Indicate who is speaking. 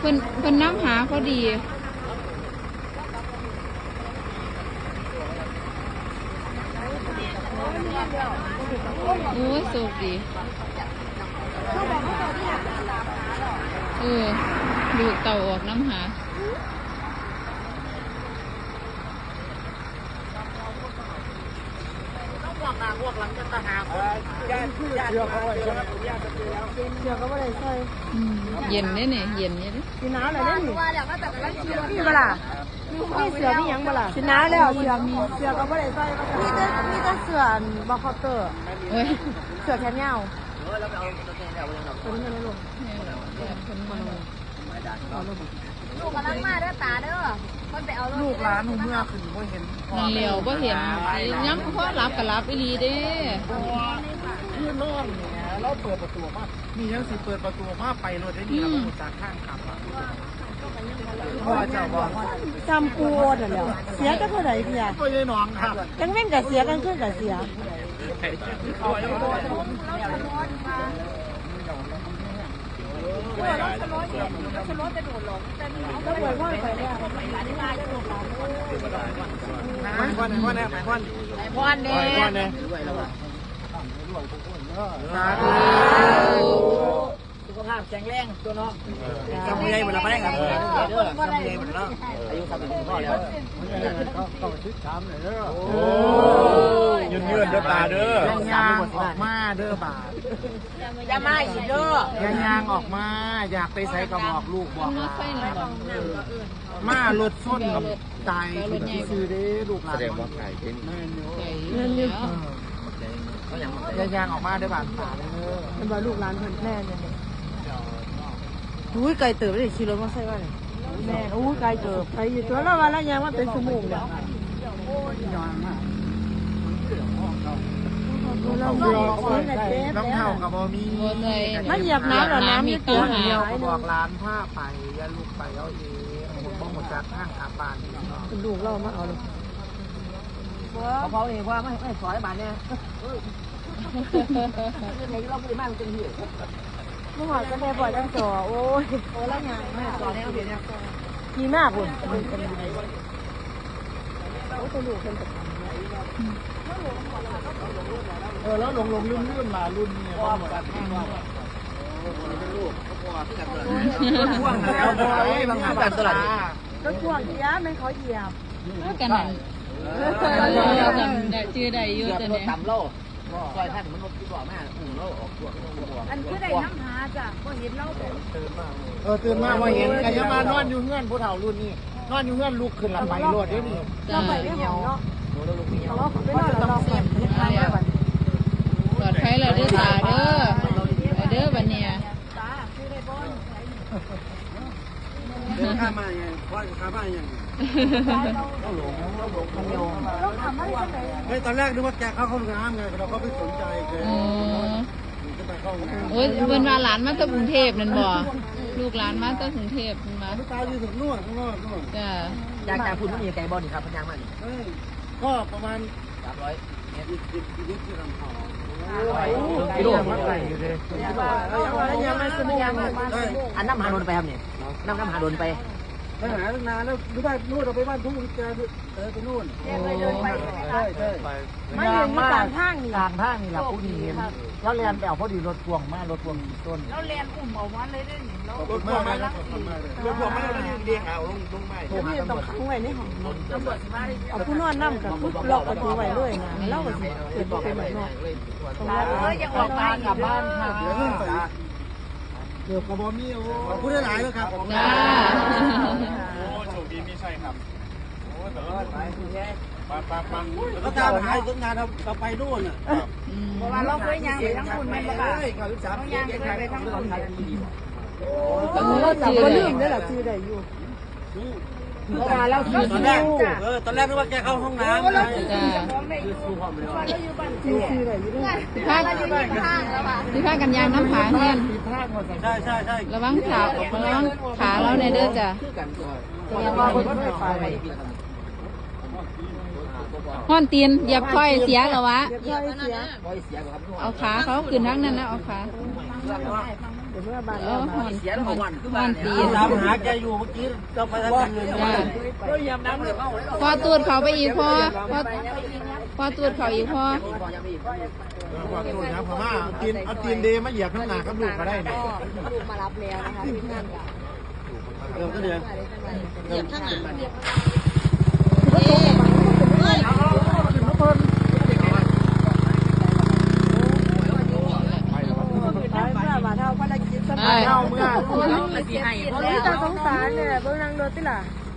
Speaker 1: เพิ่นน้ำหาพอดีโอ้ยโชคดีดูเต่าออกน้ำหา
Speaker 2: พวกหลังจะตาหาญาติเชื่อเขาไว้เชื่อเขาไว้ใช่
Speaker 1: เย็นเนี่ยเย็นเนี่ย
Speaker 2: สิน้าอะไรได้หนิมีเปล่ามีเสือมียังเปล่าสิน้าแล้วเสือมีเสือเขาไม่ได้ใส่มีแต่เสือบาร์คอเตอร์เสือแขนยาวตัวนี้ไม่รู้ลูกกำลังมาเด้อตาเด้อคนไปเอาลูกร้านหนูเมื่อคืนก็เห็น
Speaker 1: นั่นเลี้ยวก็เห็นย้ำพ่อรับกับรับอีลีเด้
Speaker 2: ที่นอนเนี่ยเราเปิดประตูมามียังสิเปิดประตูมาไปรถได้ดีแล้วก็จากข้างขับพ่อเจ้าบอกจำปูนเหรอเสียก็เท่าไหร่พี่ยาก็ยังน้องครับกันเว้นกับเสียกันขึ้นกับเสียเราชะลอจะโดดหลงแต่นี่เราปล่อยพ่อไปเนี่ยพ่อเนี่ยสุขภาพแข็งแรงตัวน้องจำยังไงหมดแล้วไม่ได้ครับจำยังไงหมดแล้วอายุ30พ่อแล้วเขาชิดช้ำเลยเด้อโอ้ยืนเด้อตาเด้อยางออกมาเด้อบาทยามาอีกเด้อยางออกมาอยากไปใส่กระบอกลูกบอกมารถส้นกับตายที่ซื้อได้ลูกหลานแสดงว่าไก่เป็นเงินเยอะยางออกมาได้บาดตาเลยเป็นว่าลูกหลานเพื่อนแม่เนี่ยอุ้ยไก่เติบได้ขี่รถมาใส่ว่าเนี่ยแม่อุ้ยไก่เติบไก่อยู่ตัวแล้ววันละยางว่าเป็นสมุนเนี่ยน้องเท้ากับบอมีมันเหยียบน้ำหรอน้ำมีตัวเดียวบอกร้านผ้าไปอย่าลูกไปเอาเองบ้องหมดจากห้างขาบานลูกเรามาเอาเลยเขาเองว่าไม่สอยบานเนี่ยเด็กเราไม่ได้มาเป็นหิวเมื่อวานก็แม่ปล่อยตั้งจ่อโอ้ยแล้วไงแม่จ่อแล้วเดี๋ยวกี่มากคุณโอ้ตัวลูกเป็นแล้วลงลื่นมารุ่นเนี่ยพ่วงแล้วบางงานแบบตลาดก็พ่วงเยอะไม่เขาเหยียบ
Speaker 1: กันนั่นชื่อใดอยู่แต่เนี่ย
Speaker 2: ต่ำโลซอยท่านมันรถที่บอกแม่โลออกตัวอันคือได้น้ำหาจ้ะพอเห็นเราตื่นมาพอเห็นไอ้ยามานอนอยู่เงื่อนผู้เฒ่ารุ่นนี้นอนอยู่เงื่อนลูกขึ้นลำไปรถด้วยนี่เราไปไม่เหงาเนาะเราไม่นอนเราเสียบ
Speaker 1: ปลอดภัยเลยเด้อตาเด้อบัดเนี่ย
Speaker 2: ข้ามาไงพ่อข้ามาอย่างเราหลงมันโยงตอนแรกนึกว่าแกเข้าห้องน้ำไงเราก็ไม่สนใจแก
Speaker 1: โอ้ยเพิ่นว่าหลานมาจากกรุงเทพนั่นบ่ลูกหลานมาจากกรุงเทพนั่นมา
Speaker 2: ตาอยู่ถึงนู่นข้างนอกนู่น
Speaker 1: จ้า
Speaker 2: จากคุณมีไก่บอลนี่ครับพญามันก็ประมาณ300เมตรที่ลำพองกิโลมันไก่อยู่เลยยังไม่สมยังอันน้ำหาโดนไปครับเนี่ยน้ำหาโดนไปไปหาตั้งนานแล้วหรือว่านู่นเราไปบ้านทุ่งแกไปนู่นใช่ไม่ยืนที่กลางทางนี่เราผู้ดีแล้วเรียนไปเอาพอดีรถพวงมารถพวงต้นแล้วเรียนอุ่มเอาวันเลยได้หนิรถพวงมาแล้วรถพวงมาแล้วเรียงเอาลงไปนี่ต้องขังไว้ในห้องเอาผู้นอนนั่งกับผู้ล็อกประตูไว้ด้วยนะเล่ากันสิเกิดเป็นแบบนั้นยังออกบ้านกลับบ้านค่ะเกือบกระบอกมีโอ้พูดได้หลายแล้วครับ
Speaker 1: จ้า
Speaker 3: โอ้โชคดีมีใช่ครับโอ้แต่ละไปปัง
Speaker 2: ก็ตามหาตั้งนานเราไปนู่นอ่ะเพราะว่าเราเคยยังไปทั้งคุณแม่บ้านเขายังเคยไปทั้งคนไทยเราจับก็ลืมได้หรอชื่อได้อยู่เพราะว่าเราตอนแรกนึกว่าแกเข้าห้องน้ำ
Speaker 1: จ้าพี่พากันยางน้ำผาเงี้ย
Speaker 2: ใช่
Speaker 1: ระวังขาเราในเด้อจ้ะห้อนตีนเหยียบค่อยเสียเหรอวะเอาขาเขาขึ้นทั้งนั้นนะเอาขาเออหอนตี
Speaker 2: ตามหาแกอยู่เมื่อกี้ก็ไปทางอื่น
Speaker 1: ก็ยำน้ำเลยพอตูดเขาไปอีกพอตูดเขาอีกพอ
Speaker 2: ว่าตูดนะพม่าเอาตีนเดมาเหยียบข้างหน้ากับลูกก็ได้เนี่ย
Speaker 4: ลูกมารับแล้วนะคะที่งานกับ
Speaker 2: ก็เดือน
Speaker 4: เหยียบข้างหลัง
Speaker 1: ไอ้
Speaker 2: เอาเมื่อ
Speaker 4: จะสงสารเนี่ยเบื้องนางโดนติล่ะ